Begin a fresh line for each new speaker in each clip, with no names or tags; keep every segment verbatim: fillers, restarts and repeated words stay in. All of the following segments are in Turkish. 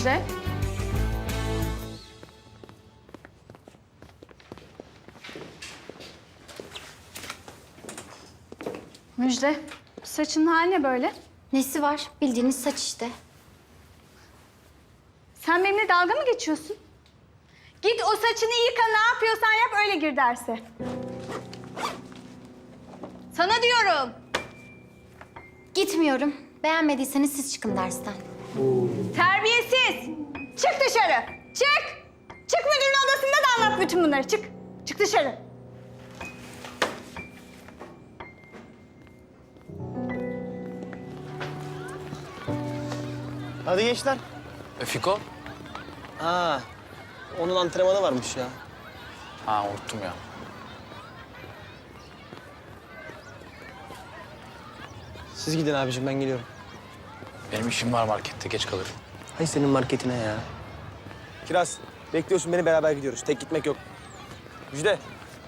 Müjde. Müjde, saçının hali ne böyle?
Nesi var? Bildiğiniz saç işte.
Sen benimle dalga mı geçiyorsun? Git o saçını yıka, ne yapıyorsan yap, öyle gir derse. Sana diyorum.
Gitmiyorum. Beğenmediyseniz siz çıkın dersten.
Terbiyesiz. Çık dışarı. Çık. Çık, müdürün odasında da anlat bütün bunları. Çık. Çık dışarı.
Hadi gençler.
E, Fiko?
Aa, onun antrenmanı varmış ya.
Ha, unuttum ya.
Siz gidin abicim, ben geliyorum.
Benim işim var markette, geç kalırım.
Hay senin marketine ya. Kiraz, bekliyorsun beni, beraber gidiyoruz. Tek gitmek yok. Müjde.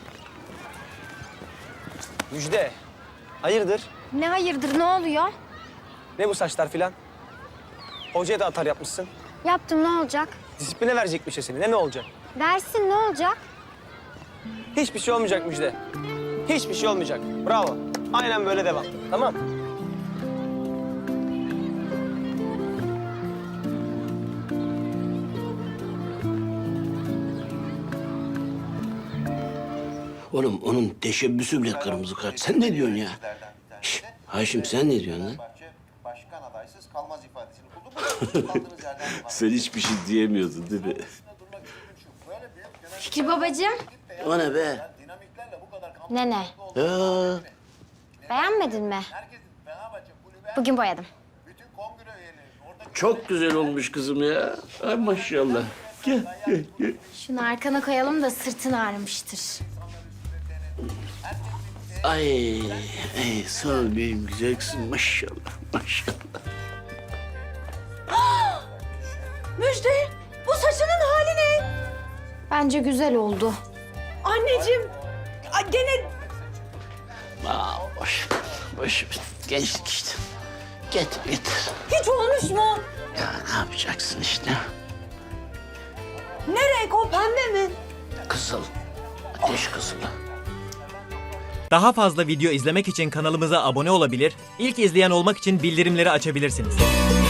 Müjde. Hayırdır?
Ne hayırdır, ne oluyor?
Ne bu saçlar filan? Hocaya da atar yapmışsın.
Yaptım, ne olacak?
Disipline verecekmiş ya seni. Ne mi olacak?
Versin, ne olacak?
Hiçbir şey olmayacak Müjde. Hiçbir şey olmayacak. Bravo. Aynen böyle devam. Tamam.
Oğlum onun teşebbüsü bile kırmızı kart. Sen ne diyorsun ya? Şş, Haşim sen ne diyorsun lan?
Başkan adaysız kalmaz ifadesini kullanmadınız. Kaldığınız yerden devam.
Sen hiçbir şey diyemiyordun değil mi?
Böyle büyük genel
Fikri babacığım.
O ne be?
dinamiklerle bu kadar kampanya
Nene,
Ya,
beğenmedin mi?
herkesin Fenerbahçe kulübe
Bugün boyadım.
bütün kongre üyeleri orada
çok güzel olmuş kızım ya. Ay maşallah. Gel, gel, gel.
Şunu arkana koyalım da sırtın ağrımıştır.
Ay, ay sağ ol benim güzel kızım. Maşallah, maşallah.
Müjde, bu saçının hali ne?
Bence güzel oldu.
Anneciğim, ay gene...
Aa, boş, boş. Gençlik işte. Getir, getir.
Hiç olmuş mu?
Ya ne yapacaksın işte?
Ne renk o, pembe mi?
Kızıl, ateş kızılı.
Daha fazla video izlemek için kanalımıza abone olabilir, ilk izleyen olmak için bildirimleri açabilirsiniz.